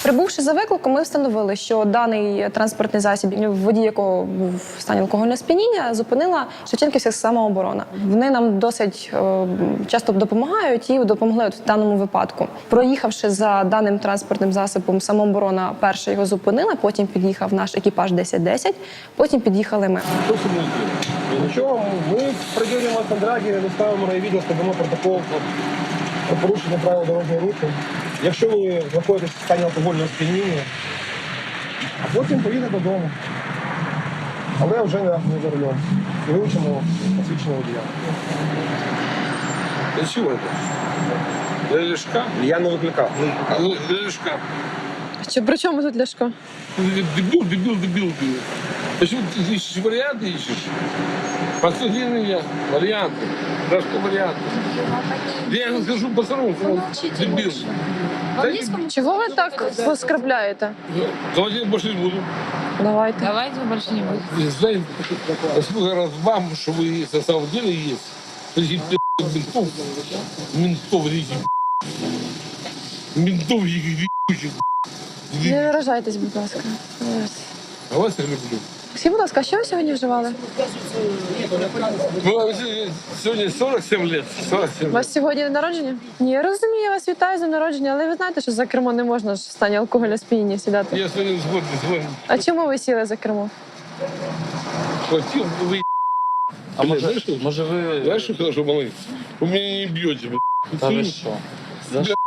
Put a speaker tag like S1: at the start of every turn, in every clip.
S1: Прибувши за викликом, ми встановили, що даний транспортний засіб, водій якого був в стані алкогольного сп'яніння, зупинила Шевченківська самооборона. Вони нам досить часто допомагають і допомогли в даному випадку. Проїхавши за даним транспортним засобом, самооборона перша його зупинила, потім під'їхав наш екіпаж 1010, потім під'їхали ми.
S2: Нічого, ми приділимо контракти, доставимо райвідділ, складемо протокол про порушення правил дорожнього руху. Якщо ви знаходитесь в стані алкогольного сп'яніння, а потім поїдете додому. Але вже не за рулем. І вивчимо посвідчення водія.
S3: Для чего это? Для Ляшка?
S2: Я не викликав.
S3: Для Ляшка.
S1: Що, при чому тут Ляшко?
S3: Дебил. Почему ты ищешь варианты ищешь? Последние варианты. Ляшка варианты. Я скажу по-старому, дебил.
S1: Чого ви так поскрабляєте?
S3: Давайте я больше не буду.
S1: Давайте.
S4: Давайте больше не будем.
S3: Знаете, сколько раз вам, что вы на самом деле есть, таких ментов этих, ментов этих.
S1: Не виражайтесь, будь ласка.
S3: А вас я люблю.
S1: Скажіть, будь ласка, що ви сьогодні вживали?
S3: Сегодня 47 лет. 47
S1: У вас сьогодні день народження? Ні, я розумію, я вас вітаю з днем народження, але ви знаєте, що за кермо не можна ж в стані алкогольного сп'яніння сідати.
S3: Я сегодня звоню.
S1: А чому ви сіли за кермо?
S3: Хватил, вы
S5: А
S3: знаешь,
S5: ви...
S3: знаешь, что хорошо, малый? Вы меня не бьете, блядь.
S5: Та ви що? За що?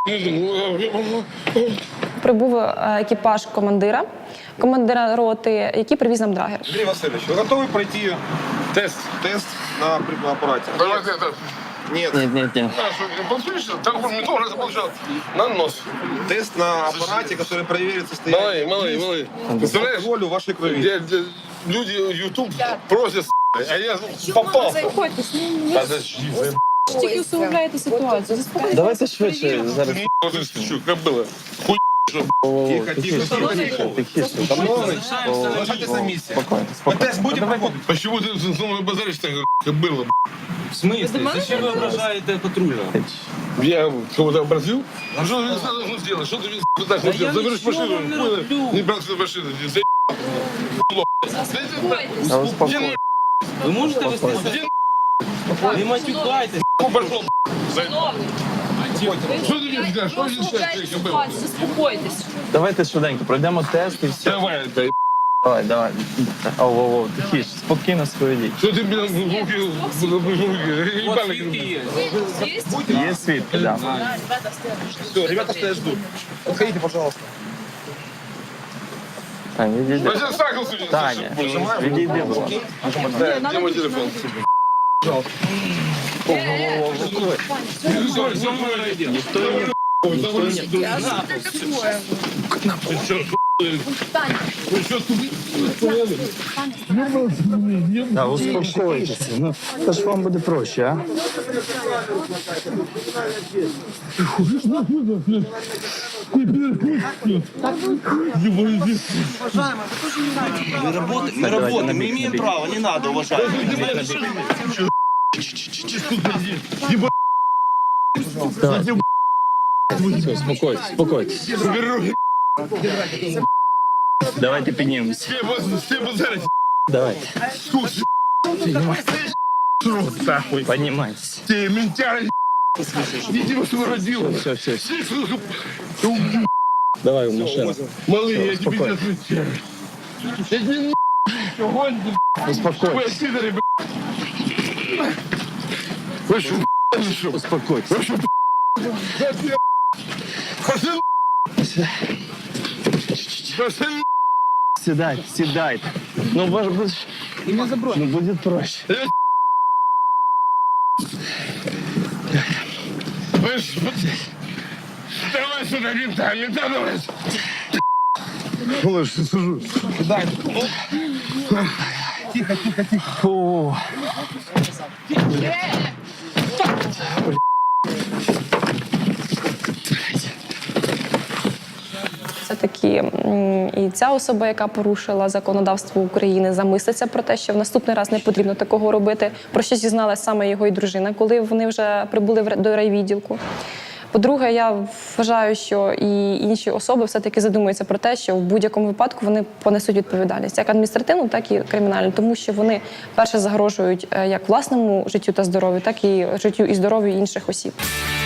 S1: Прибув екіпаж командира роти, який привіз нам драгер.
S2: Андрій Васильович, ви готові пройти
S3: Тест.
S2: тест на апараті?
S3: Давайте это.
S2: Ні.
S5: Ні.
S3: Послушай, так он мне тоже получал. На нос.
S2: Тест на апараті, який перевірить состояние
S3: Малый. Представляешь?
S2: алкоголю в вашій крові.
S3: Люди YouTube просят, а я попал.
S1: Заспокойтесь,
S3: Подожди,
S1: тільки усугубляєте ситуацію. Заспокойтесь.
S5: Давайте швидше зараз.
S3: как было? Хуй,
S2: Тихо. Шановний, залишайтесь на місці.
S5: Спокійно.
S2: Ми тест будемо проводити.
S3: Почему ты со мной базаришь так, как было?
S6: В смысле? Зачем вы ображаете патрульного?
S3: Я кого-то обратил? А что ты должен сделать? Что ты пытаешься
S6: Да
S3: сделать?
S6: я
S3: Заберешь
S6: ничего
S3: машину,
S6: не
S3: понял?
S6: роблю.
S3: Не брал свою машину,
S5: Та успокойтесь.
S6: Вы можете вести? Не матюкайтесь.
S3: пошел. Что ты мне скажешь? Что здесь сейчас было?
S4: Заспокойтесь.
S5: Давайте швиденько пройдемо тест і все.
S3: Давай, дай.
S5: Давай. Оу, тихіше, спокійно сповідіть.
S3: Что ты мне руки
S6: Вот свитки есть.
S5: Є свідки, да.
S2: Все, ребята стоят ждут. Подходите, пожалуйста.
S5: Таня, відійди.
S3: Возьми сахар сюда.
S5: Таня, відійди, будь ласка.
S3: Где мой телефон?
S5: Да, успокойтеся. Ну, це ж вам буде проще, а?
S6: Мы работаем, мы имеем право, не надо, уважаемые.
S5: Успокойтесь. Давайте піднімемося.
S3: Все базарить.
S5: Давайте.
S3: Нахуй.
S5: Поднимайтесь.
S3: Ты ментяра. Иди его что родила.
S5: Все. Давай в машину.
S3: Малый, я тебе
S5: Успокойся.
S3: сейчас отвечаю. Я тебе огонь,
S5: Успокойтесь.
S3: вы пидоры, блядь. Вы что,
S5: Успокойтесь.
S3: вы что, пошли, пошли,
S5: Сідайте. Ну, ну, буде проще.
S3: вы ж, давай сюда, мента давай. Малыш, я сижу.
S5: Фу.
S1: Все-таки і ця особа, яка порушила законодавство України, замислиться про те, що в наступний раз не потрібно такого робити, про що зізналась саме його і дружина, коли вони вже прибули до райвідділку. По-друге, я вважаю, що і інші особи все-таки задумуються про те, що в будь-якому випадку вони понесуть відповідальність, як адміністративну, так і кримінальну, тому що вони перше загрожують як власному життю та здоров'ю, так і життю і здоров'ю інших осіб.